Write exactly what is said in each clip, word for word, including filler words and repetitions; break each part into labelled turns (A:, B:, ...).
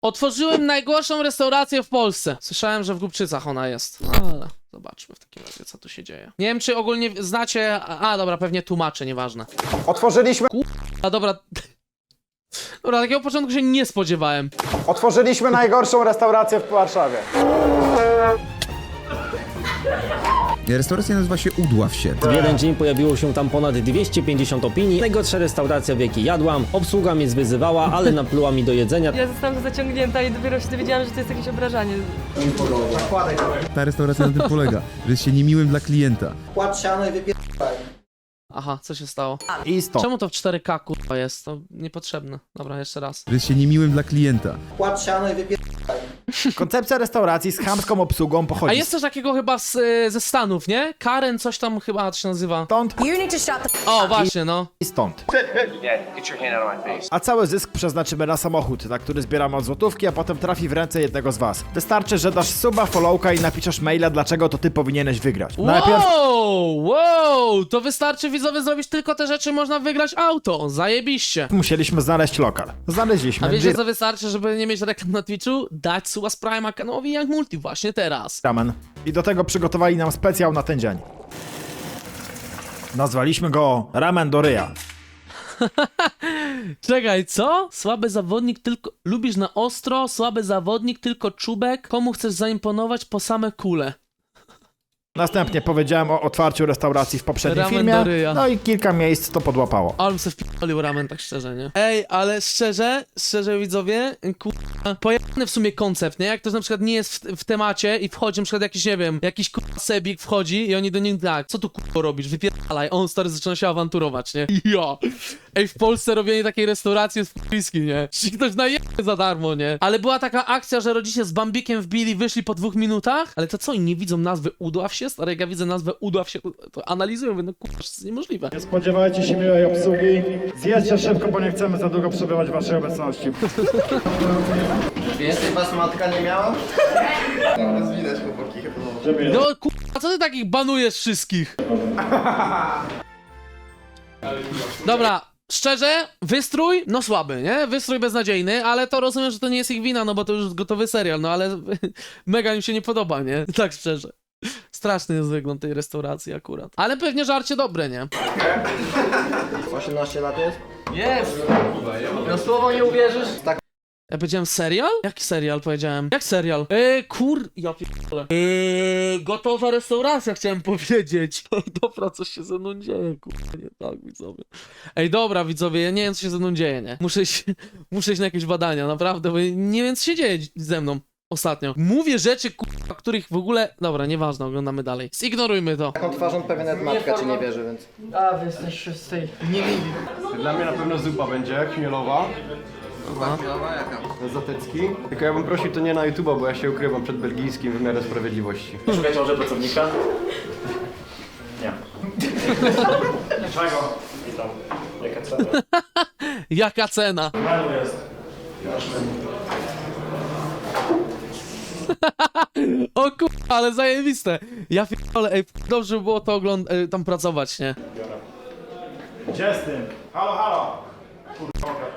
A: Otworzyłem najgorszą restaurację w Polsce. Słyszałem, że w Głubczycach ona jest. Ale zobaczmy w takim razie, co tu się dzieje. Nie wiem, czy ogólnie znacie... A, dobra, pewnie tłumaczę, nieważne.
B: Otworzyliśmy...
A: A, dobra... Dobra, takiego początku się nie spodziewałem.
B: Otworzyliśmy najgorszą restaurację w Warszawie.
C: Restauracja nazywa się Udław się.
D: W jeden dzień pojawiło się tam ponad dwieście pięćdziesiąt opinii. Najgorsza restauracja, w jakiej jadłam. Obsługa mnie zwyzywała, ale napluła mi do jedzenia.
E: Ja zostałam zaciągnięta i dopiero się dowiedziałam, że to jest jakieś obrażanie.
C: Ta restauracja na tym polega, że jest się niemiłym dla klienta.
F: Płacz siano i wypierdaj.
A: Aha, co się stało?
B: I stop.
A: Czemu to w cztery K kurwa jest? To niepotrzebne. Dobra, jeszcze raz.
C: Że jest się niemiłym dla klienta.
F: Płacz siano i wypierdaj.
B: Koncepcja restauracji z chamską obsługą
A: A
B: pochodzi
A: jest też takiego chyba z, y, ze Stanów, nie? Karen coś tam chyba to się nazywa.
B: stąd
G: You need to shut the
A: O, właśnie, no.
B: i stąd. A cały zysk przeznaczymy na samochód, na który zbieramy od złotówki, a potem trafi w ręce jednego z was. Wystarczy, że dasz suba, followka i napiszesz maila, dlaczego to ty powinieneś wygrać. Najpierw
A: Wow, wow, to wystarczy widzowie zrobić tylko te rzeczy, można wygrać auto. Zajebiście.
B: musieliśmy znaleźć lokal. Znaleźliśmy.
A: A wiecie co wystarczy, żeby nie mieć reklam na Twitchu? Dać suba z Prime'a kanałowi Young Multi właśnie teraz.
B: Ramen. I do tego przygotowali nam specjal na ten dzień. Nazwaliśmy go Ramen do ryja.
A: Czekaj, co? Słaby zawodnik tylko... Lubisz na ostro, słaby zawodnik tylko czubek. Komu chcesz zaimponować po same kule?
B: Następnie powiedziałem o otwarciu restauracji w poprzednim
A: Ramen
B: filmie,
A: do ryja.
B: no i kilka miejsc to podłapało.
A: Ale bym se wpierdolił ramen, tak szczerze, nie? Ej, ale szczerze, szczerze widzowie, kurwa, pojemny w sumie koncept, nie? Jak ktoś na przykład nie jest w, w temacie i wchodzi na przykład jakiś, nie wiem, jakiś kurwa sebik wchodzi i oni do niego tak, co tu kurwa robisz, wypierdalaj, on stary zaczyna się awanturować, nie? Ja. Ej, w Polsce robienie takiej restauracji jest wpiski, nie? Czy ktoś najebie za darmo, nie? Ale była taka akcja, że rodzice z Bambikiem wbili, wyszli po dwóch minutach, ale to co, oni nie widzą nazwy Udław się? Stary, jak ja widzę nazwę Udław się, to analizują, mówię, no kurwa, to jest niemożliwe.
B: Nie spodziewajcie się miłej obsługi. Zjedźcie szybko, bo nie chcemy za długo przebywać w waszej obecności.
F: Więcej was matka nie miała? Teraz widać chłopaki chyba.
A: No kurwa, co ty takich banujesz wszystkich? Dobra, szczerze, wystrój, no słaby, nie? Wystrój beznadziejny, ale to rozumiem, że to nie jest ich wina, no bo to już gotowy serial, no ale mega im się nie podoba, nie? Tak szczerze. Straszny jest wygląd tej restauracji akurat. Ale pewnie żarcie dobre, nie?
F: osiemnaście lat jest?
A: Jest!
F: Na słowo nie uwierzysz? Tak.
A: Ja powiedziałem serial? Jaki serial powiedziałem? Jak serial? Eee, kur... Ja pierdolę. Eee, gotowa restauracja chciałem powiedzieć. Dobra, coś się ze mną dzieje, kurwa, nie tak, widzowie. Ej, dobra, widzowie, ja nie wiem, co się ze mną dzieje, nie? Muszę iść, muszę iść na jakieś badania, naprawdę, bo nie wiem, co się dzieje ze mną ostatnio. Mówię rzeczy, kurwa, których w ogóle... Dobra, nieważne, oglądamy dalej. Zignorujmy to.
F: Taką twarzą pewnie nawet matka ci nie wierzy, więc...
E: A, wy jesteście z tej niewidzi.
H: Dla mnie na pewno zupa będzie, chmielowa. Zatecki. Tylko ja bym prosił to nie na YouTube'a, bo ja się ukrywam przed belgijskim wymiarem sprawiedliwości.
I: Szukać może pracownika? Nie.
H: Czego?
I: Witam. Jaka cena?
A: Jaka cena?
I: Menu jest.
A: O kurwa, ale zajebiste. Ja pierdolę, ej, dobrze by było to ogląd... e, tam pracować, nie?
B: Gdzie z tym? Halo, halo! Kurwa, okradł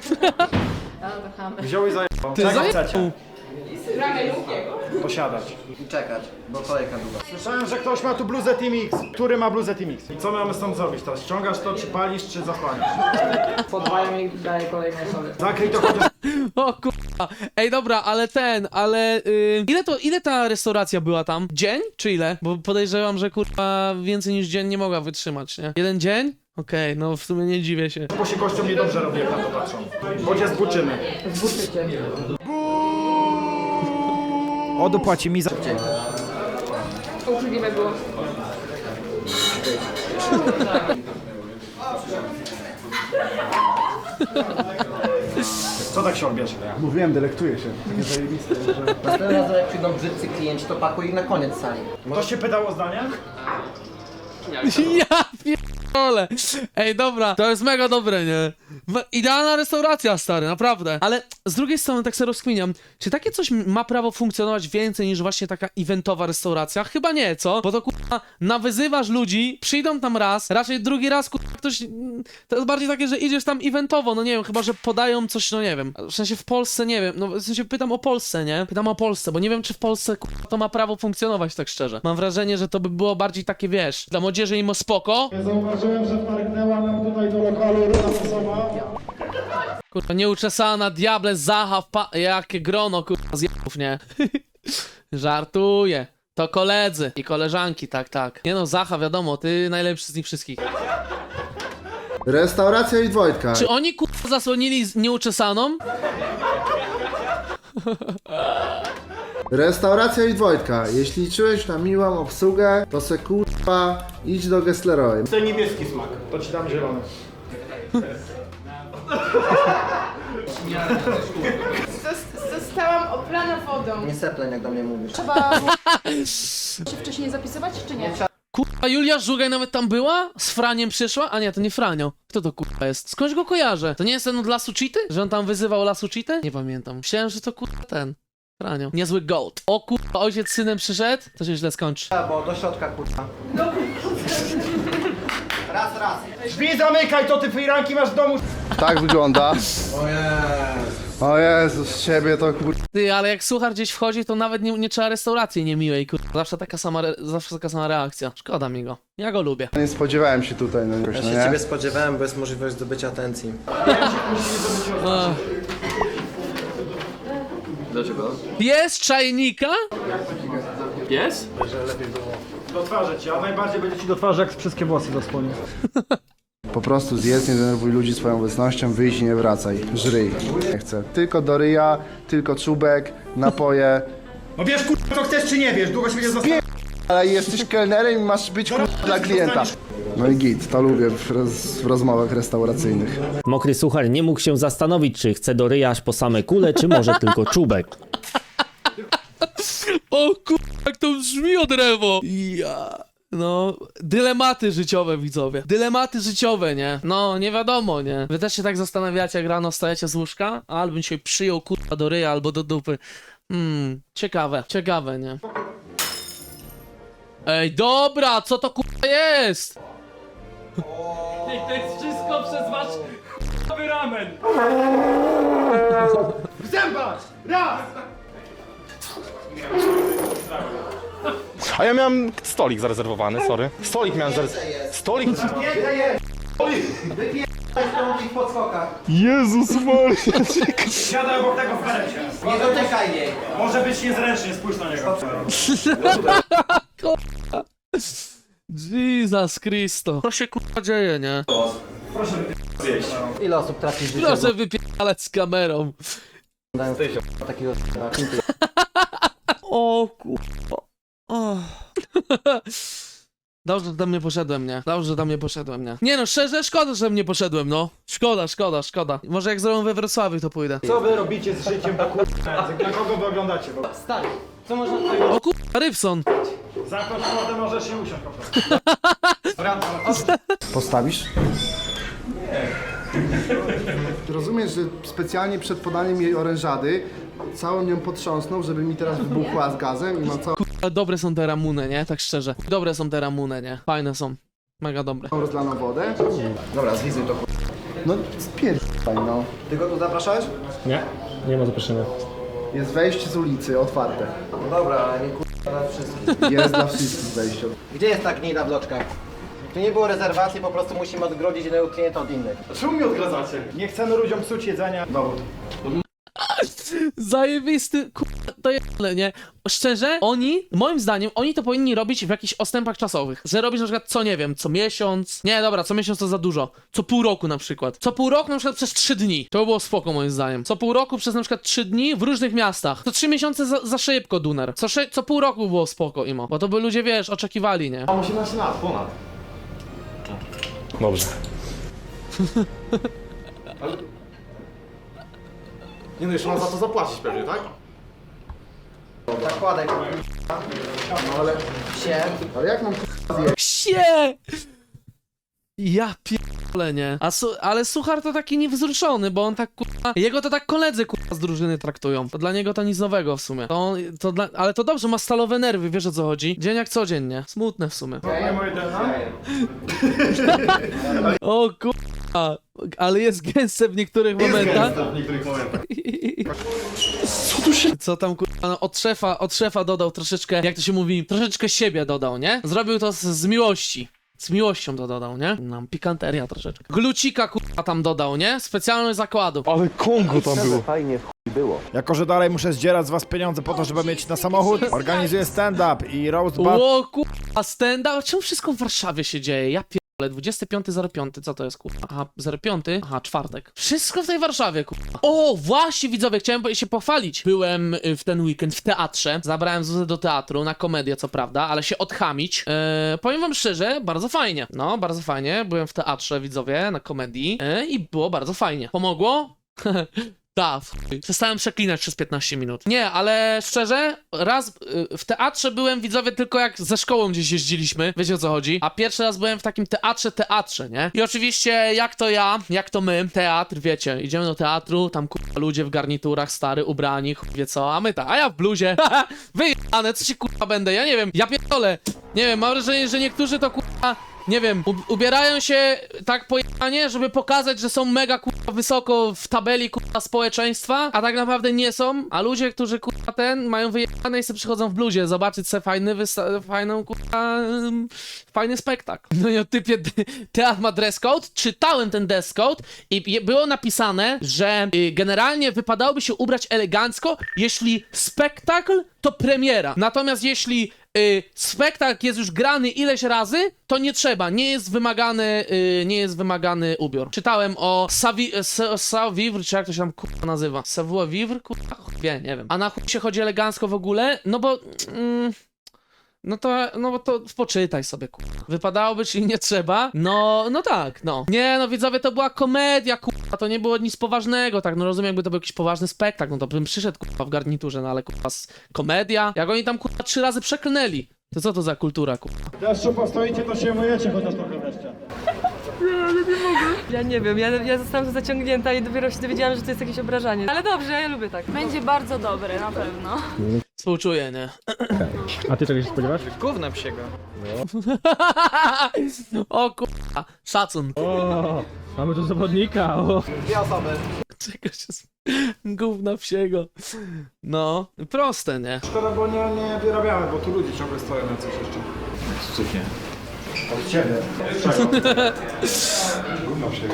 B: nas. Wziął i zajebał.
A: Ty
B: Czego
A: zajebał.
B: chcecie? Posiadać.
F: I czekać, bo kolejka długa.
B: Słyszałem, że ktoś ma tu bluzę Team X. Który ma bluzę Team X? I co mamy z tym zrobić teraz? Ściągasz to, czy palisz, czy zasłaniasz?
E: Podwajem i daję kolejne osoby.
B: Zakryj to chociaż...
A: O kurwa. Ej, dobra, ale ten, ale... Yy, ile to, ile ta restauracja była tam? Dzień? Czy ile? Bo podejrzewam, że kurwa więcej niż dzień nie mogła wytrzymać, nie? Jeden dzień? Okej, no w sumie nie dziwię się.
B: Bo się gościom niedobrze robi, jak na to patrzą. Bo cię zbuczymy.
E: Zbuczycie.
B: Odu płaci mi za...
E: Uczciwe było.
B: Co tak się odbierze?
H: Mówiłem, delektuję się. Takie zajebiste, że...
F: Następnym razem jak przyjdą brzydcy klienci, to pakuj ich na koniec sali.
B: Ktoś się pytał o zdanie?
A: Ja pierdolę. Ej, dobra, to jest mega dobre, nie? W- Idealna restauracja, stary, naprawdę. Ale z drugiej strony tak sobie rozkminiam, czy takie coś ma prawo funkcjonować więcej niż właśnie taka eventowa restauracja? Chyba nie, co? Bo to kurwa, nawyzywasz ludzi, przyjdą tam raz, raczej drugi raz kurwa ktoś... To jest bardziej takie, że idziesz tam eventowo, no nie wiem, chyba, że podają coś, no nie wiem. W sensie w Polsce, nie wiem, no w sensie pytam o Polsce, nie? Pytam o Polsce, bo nie wiem, czy w Polsce kurwa to ma prawo funkcjonować, tak szczerze. Mam wrażenie, że to by było bardziej takie, wiesz, dla młodzieży im spoko.
B: Zauważyłem, że wtargnęła nam tutaj do lokalu ruda osoba.
A: Kurwa, nieuczesana, diable, Zacha, pa... Jakie grono, kurwa, zjebów, nie? Żartuję. To koledzy i koleżanki, tak, tak. Nie no, Zacha, wiadomo, ty najlepszy z nich wszystkich.
F: Restauracja i Wojtka.
A: Czy oni, kurwa, zasłonili z nieuczesaną?
F: Restauracja i Wojtka. Jeśli liczyłeś na miłą obsługę, to se kurwa idź do Gessleroy.
I: To niebieski smak.
B: To ci dam zielony.
G: Zostałam oplana wodą.
H: Nie sepleń, jak do mnie mówisz.
G: Trzeba się wcześniej zapisywać, czy nie?
A: Kurwa, Julia Żugaj nawet tam była? Z Franiem przyszła? A nie, to nie Franio. Kto to kurwa jest? Skądś go kojarzę? To nie jest ten od Lasu Cheaty? Że on tam wyzywał Lasu Cheaty? Nie pamiętam. Myślałem, że to kurwa ten. Franio. Niezły gold. O kurwa, ojciec z synem przyszedł? To się źle skończy.
H: Bo do środka, kurwa.
B: Drzwi zamykaj, to ty firanki masz w domu.
F: Tak wygląda. O Jezus, z ciebie to kurwa.
A: Ty, ale jak suchar gdzieś wchodzi, to nawet nie, nie trzeba restauracji niemiłej, kurwa. Zawsze taka sama, re- zawsze taka sama reakcja. Szkoda mi go. Ja go lubię.
F: Nie spodziewałem się tutaj, no jakoś,
H: Ja
F: no
H: się
F: nie?
H: ciebie spodziewałem, bo jest możliwość zdobycia atencji.
A: Ach.
I: Dlaczego?
A: Pies czajnika?
I: Pies?
B: Do twarzy ci, a najbardziej będzie ci do twarzy, jak wszystkie włosy zasłonię.
F: Po prostu zjedz, nie denerwuj ludzi swoją obecnością, wyjdź i nie wracaj. Żryj. Nie chcę. Tylko do ryja, tylko czubek, napoje.
B: No wiesz kurwa, co chcesz czy nie wiesz, długo się będzie zostawić.
F: Ale jesteś kelnerem i masz być kurwa dla klienta. No i git, to lubię w, roz, w rozmowach restauracyjnych.
D: Mokry suchar nie mógł się zastanowić, czy chce do ryja aż po same kule, czy może tylko czubek.
A: O kurwa, jak to brzmi od rewo. Ja... No, dylematy życiowe, widzowie. Dylematy życiowe, nie? No, nie wiadomo, nie? Wy też się tak zastanawiacie, jak rano wstajecie z łóżka? Albo się przyjął kurwa do ryja, albo do dupy. Hmm, ciekawe, ciekawe, nie? Ej, dobra, co to kurwa jest? Ej, to jest wszystko przez wasz chujowy ramen.
B: Zębacz! Raz!
J: A ja miałem stolik zarezerwowany, sorry. Stolik miałem zarezerwowany. Stolik? Jezus Maria.
B: Siadaj obok tego w berecie.
H: Nie dotykaj jej!
B: Może być niezręcznie, spójrz na niego.
A: Jesus Christo. Co się kurwa dzieje, nie?
H: Ile osób traci życie?
A: Proszę wypierdalać z kamerą.
H: Takiego
A: O kurwa. O. Dobrze, że tam nie poszedłem, nie? Dobrze, że tam nie poszedłem, nie? Nie no, szczerze, szkoda, że tam nie poszedłem, no. Szkoda, szkoda, szkoda. Może jak zrobią we Wrocławiu, to pójdę.
B: Co wy robicie z życiem do kurwa? Na kogo wy oglądacie? Bo
H: Stary, co można tutaj...
A: O kurwa, Rybson.
B: zamknąć wodę możesz i usiąść po prostu.
F: Postawisz? Rozumiesz, że specjalnie przed podaniem jej orężady całą nią potrząsnął, żeby mi teraz wybuchła z gazem i mam całą
A: Kurwa, dobre są te ramuny, nie? Tak szczerze. Dobre są te ramuny, nie? Fajne są. Mega dobre.
F: rozlaną wodę.
H: Dobra, zwizuj to.
F: No spierdaj, no.
H: Ty go tu zapraszałeś?
I: Nie, nie ma zaproszenia.
F: Jest wejście z ulicy, otwarte.
H: No dobra, ale nie kurwa dla wszystkich.
F: Jest dla wszystkich wejście.
H: Gdzie jest ta gnida w loczkach? Tu nie było rezerwacji, po prostu musimy odgrodzić jednego klienta od innych.
B: Czemu mi odgradzacie? Nie chcemy ludziom psuć jedzenia. Dowód.
A: Zajebisty, kurwa, to jebane, nie? Szczerze, oni, moim zdaniem, oni to powinni robić w jakichś odstępach czasowych. Że robisz na przykład co, nie wiem, co miesiąc. Nie, dobra, co miesiąc to za dużo. Co pół roku na przykład. Co pół roku na przykład przez trzy dni. To by było spoko moim zdaniem. Co pół roku przez na przykład trzy dni w różnych miastach. To trzy miesiące za, za szybko, Duner. Co, sze- co pół roku by było spoko, Imo. Bo to by ludzie, wiesz, oczekiwali, nie?
B: Mam osiemnaście lat, ponad.
J: Dobrze.
B: Nie no, jeszcze mam za to zapłacić pewnie, tak?
H: Zakładaj kurwa. No ale... Się.
F: Ale jak mam
A: Ksie! Ja pierdolę. pierdolę, nie? A su ale Suchar to taki niewzruszony, bo on tak kurwa... Jego to tak koledzy kurwa z drużyny traktują. To dla niego to nic nowego w sumie. To on, to dla... Ale to dobrze, ma stalowe nerwy, wiesz o co chodzi? Dzień jak codziennie. Smutne w sumie. O kurwa. Ale jest gęste w niektórych momentach.
J: w niektórych momentach.
A: Co tam kurwa, no, od szefa, od szefa dodał troszeczkę, jak to się mówi, troszeczkę siebie dodał, nie? Zrobił to z, z miłości. Z miłością to dodał, nie? Nam pikanteria troszeczkę. Glucika kurwa tam dodał, nie? Specjalność zakładu.
J: Ale Kongo tam było.
B: Jako, że dalej muszę zdzierać z was pieniądze po to, żeby mieć na samochód, organizuję stand-up i roast battle.
A: O kurwa, stand-up. Czemu wszystko w Warszawie się dzieje? Ja pierdolę, dwudziestego piątego zero piątego, co to jest kurwa? Aha, zero piąty? Aha, czwartek. Wszystko w tej Warszawie kurwa. O, właśnie widzowie, chciałem się pochwalić. Byłem y, w ten weekend w teatrze. Zabrałem Zuzę do teatru, na komedię co prawda, ale się odchamić. Eee, powiem wam szczerze, bardzo fajnie. No, bardzo fajnie. Byłem w teatrze, widzowie, na komedii eee, i było bardzo fajnie. Pomogło? Tak, przestałem przeklinać przez piętnaście minut. Nie, ale szczerze, raz y, w teatrze byłem, widzowie, tylko jak ze szkołą gdzieś jeździliśmy, wiecie o co chodzi, a pierwszy raz byłem w takim teatrze, teatrze, nie? I oczywiście, jak to ja, jak to my, teatr, wiecie, idziemy do teatru, tam kurwa ludzie w garniturach, stary, ubrani, chuj wie co, a my tak, a ja w bluzie, haha, wyjebane, co się kurwa będę, ja nie wiem, ja pierdolę, nie wiem, mam wrażenie, że niektórzy to kurwa... Nie wiem, ubierają się tak pojechanie, żeby pokazać, że są mega kurwa wysoko w tabeli kurwa społeczeństwa, a tak naprawdę nie są, a ludzie, którzy kurwa ten mają wyjechane i sobie przychodzą w bluzie zobaczyć sobie fajny, fajną kurwa, um, fajny spektakl. No i o typie teatr ma dress code, czytałem ten dress code i było napisane, że y, generalnie wypadałoby się ubrać elegancko, jeśli spektakl to premiera, natomiast jeśli y, spektakl jest już grany ileś razy, to nie trzeba, nie jest wymagany, y, nie jest wymagany ubiór. Czytałem o savoir, czy jak to się tam kurwa nazywa? Savoir vivre? Kurwa, wie, nie wiem. A na chuj się chodzi elegancko w ogóle? No bo... Mm, no to, no bo to poczytaj sobie, kurwa. Wypadałoby, czyli nie trzeba? No, no tak, no. Nie, no widzowie, to była komedia, kurwa, to nie było nic poważnego, tak, no rozumiem, jakby to był jakiś poważny spektakl, no to bym przyszedł, kurwa, w garniturze, no ale, kurwa, komedia? Jak oni tam, kurwa, trzy razy przeklnęli. To co to za kultura, kurwa?
B: Deszczu postoicie, to się myjecie chociaż trochę wreszcie.
E: Ja nie wiem, ja, ja zostałam tu zaciągnięta i dopiero się dowiedziałam, że to jest jakieś obrażanie. Ale dobrze, ja lubię tak.
G: Będzie bardzo dobry, na pewno.
A: Współczuję, nie?
I: A ty czego się spodziewasz?
H: Gówna psiego.
A: O kurwa, szacun.
I: O, mamy tu zawodnika, o.
A: Czego się... sp- Gówna wsiego. No, proste, nie?
B: Szkoda, bo nie, nie wyrabiamy, bo tu ludzie ciągle stoją na coś jeszcze. Cukie. Od ciebie. Gówno się.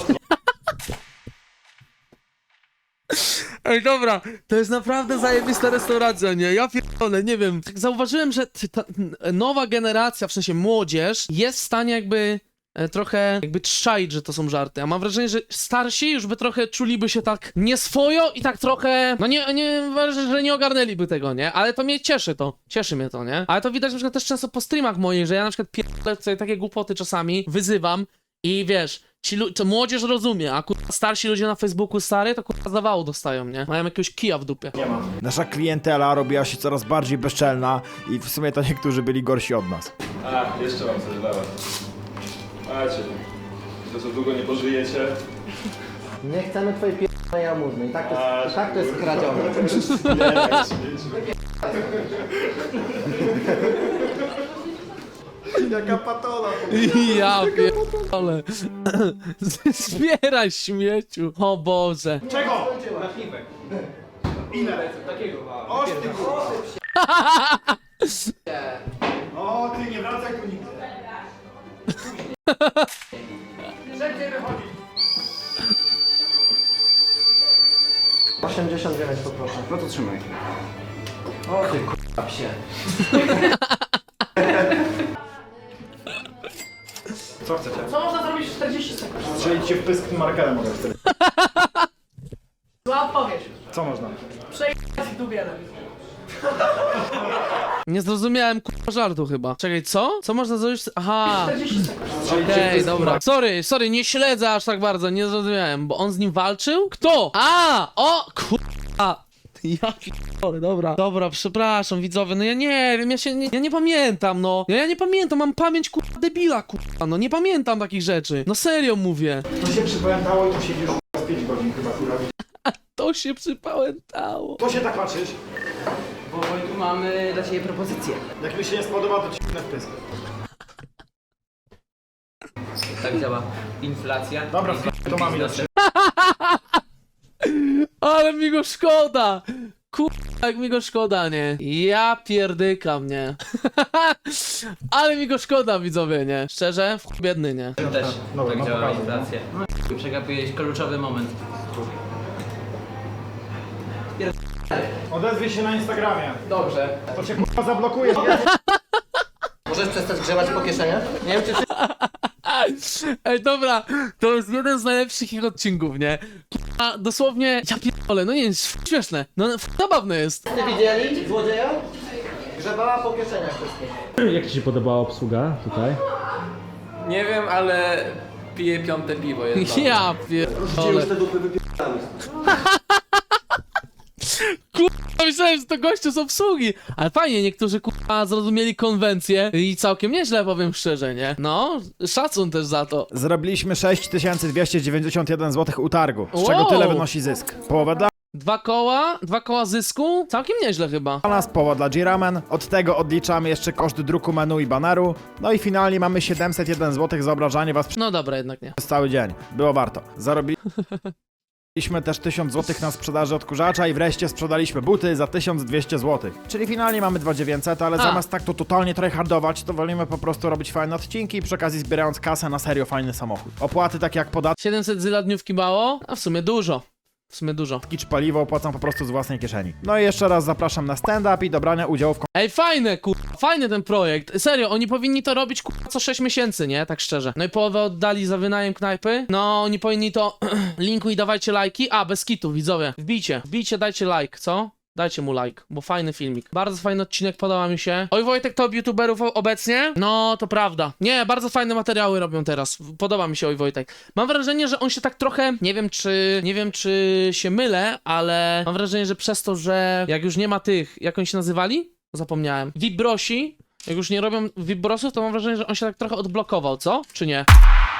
A: Ej, dobra, to jest naprawdę zajebista restauracja, nie? Ja pierdolę, nie wiem. Tak zauważyłem, że ty- ta n- nowa generacja, w sensie młodzież, jest w stanie jakby e, trochę jakby trzaić, że to są żarty. A mam wrażenie, że starsi już by trochę czuliby się tak nieswojo i tak trochę, no nie, nie, że nie ogarnęliby tego, nie? Ale to mnie cieszy to, cieszy mnie to, nie? Ale to widać na przykład też często po streamach moich, że ja na przykład pierdolę sobie takie głupoty czasami, wyzywam i wiesz... Ci lu- to młodzież rozumie, a kurwa starsi ludzie na Facebooku stary, to kurwa zawału dostają, nie? Mają jakiegoś kija w dupie.
B: Nasza klientela robiła się coraz bardziej bezczelna i w sumie to niektórzy byli gorsi od nas.
K: A, jeszcze mam coś dla was. Macie, to co długo nie pożyjecie.
D: Nie chcemy twojej p***nej jałmużny. I tak to jest, i tak to jest kradzione.
B: Jaka patola.
A: Ja pierdolę. Zbieraj śmieciu. O Boże.
B: Czego? Napiwek. Ile? Takiego. Oż ty O, ty nie wracaj tu nigdy. Szybciej wychodzi.
D: osiemdziesiąt dziewięć poproszę.
B: No to trzymaj.
D: O ty k***a psie.
B: Co chcecie?
G: Co można zrobić w czterdzieści sekund?
B: Strzelić cię w pysk markerem mogę wtedy.
G: Zła odpowiedź.
B: Co można?
G: Przejechać tu wiele.
A: Nie zrozumiałem kurwa żartu chyba. Czekaj, co? Co można zrobić? Aha.
G: czterdzieści sekund.
A: Okej, dobra. Sorry, sorry, nie śledzę aż tak bardzo, nie zrozumiałem, bo on z nim walczył? Kto? A! O! Kurwa! Ja pierdolę, dobra. Dobra, przepraszam, widzowie, no ja nie wiem, ja się nie, ja nie pamiętam, no. Ja, ja nie pamiętam, mam pamięć kurwa debila, kurwa, no nie pamiętam takich rzeczy. No serio mówię.
B: To się przypamiętało i tu siedzisz z pięć godzin chyba, kurwa.
A: To się przypamiętało.
B: To się tak patrzysz?
L: Bo tu mamy dla ciebie propozycję.
B: Jak mi się nie spodoba, to ci na wpysk.
L: Tak działa inflacja.
B: Dobra, to mamy na
A: Ale mi go szkoda! Kurwa, jak mi go szkoda, nie? Ja pierdykam, nie? Ale mi go szkoda, widzowie, nie? Szczerze, w chuj biedny, nie?
L: Też
B: Dobra,
L: tak
B: no
L: działa
B: pokażę.
L: inflacja. No, przegapiłeś kluczowy moment.
B: Odezwij się na Instagramie.
L: Dobrze.
B: To cię kurwa zablokuje.
L: Możesz przestać grzebać po kieszeniach? Nie wiem, czy
A: Ej, dobra, to jest jeden z najlepszych ich odcinków, nie? A dosłownie, ja pierdolę, no nie jest śmieszne, no zabawne jest.
L: ty widzieli złodzieja? Grzebała po kieszeniach wszystkich.
I: Jak ci się podobała obsługa tutaj?
L: Nie wiem, ale piję piąte piwo. Jest
A: Ja pierdolę. Kurwa, myślałem, że to goście z obsługi. Ale fajnie, niektórzy kurwa zrozumieli konwencję i całkiem nieźle, powiem szczerze, nie? No, szacun też za to.
B: Zrobiliśmy sześć tysięcy dwieście dziewięćdziesiąt jeden złotych utargu, z
A: Wow.
B: czego tyle wynosi zysk. Połowę dla
A: Dwa koła, dwa koła zysku, całkiem nieźle chyba.
B: nas, połowa dla G-Ramen, od tego odliczamy jeszcze koszt druku menu i baneru, no i finalnie mamy siedemset jeden złotych za obrażanie was
A: No dobra, jednak nie.
B: przez cały dzień. Było warto. Zarobiliśmy też tysiąc złotych na sprzedaży odkurzacza i wreszcie sprzedaliśmy buty za tysiąc dwieście złotych. Czyli finalnie mamy dwa tysiące dziewięćset, ale
A: A.
B: zamiast tak to totalnie tryhardować, to wolimy po prostu robić fajne odcinki i przy okazji zbierając kasę na serio fajny samochód. Opłaty takie jak podatki
A: siedemset zyla dniówki mało, a w sumie dużo. W sumie dużo.
B: czy paliwo opłacam po prostu z własnej kieszeni. No i jeszcze raz zapraszam na stand-up i do brania udziału w
A: Ej, fajne, kurwa, fajny ten projekt. Serio, oni powinni to robić, kurwa, co sześć miesięcy, nie? Tak szczerze. No i połowę oddali za wynajem knajpy. No, oni powinni to... Linku i dawajcie lajki. A, bez kitu, widzowie. Wbijcie, wbijcie, dajcie like, co? Dajcie mu like, bo fajny filmik. Bardzo fajny odcinek, podoba mi się. Oj, Wojtek, top youtuberów obecnie? No, to prawda. Nie, bardzo fajne materiały robią teraz. Podoba mi się Oj, Wojtek. Mam wrażenie, że on się tak trochę, nie wiem czy, nie wiem czy się mylę, ale mam wrażenie, że przez to, że jak już nie ma tych, jak oni się nazywali? Zapomniałem. Vibrosi, jak już nie robią Vibrosów, to mam wrażenie, że on się tak trochę odblokował, co? Czy nie?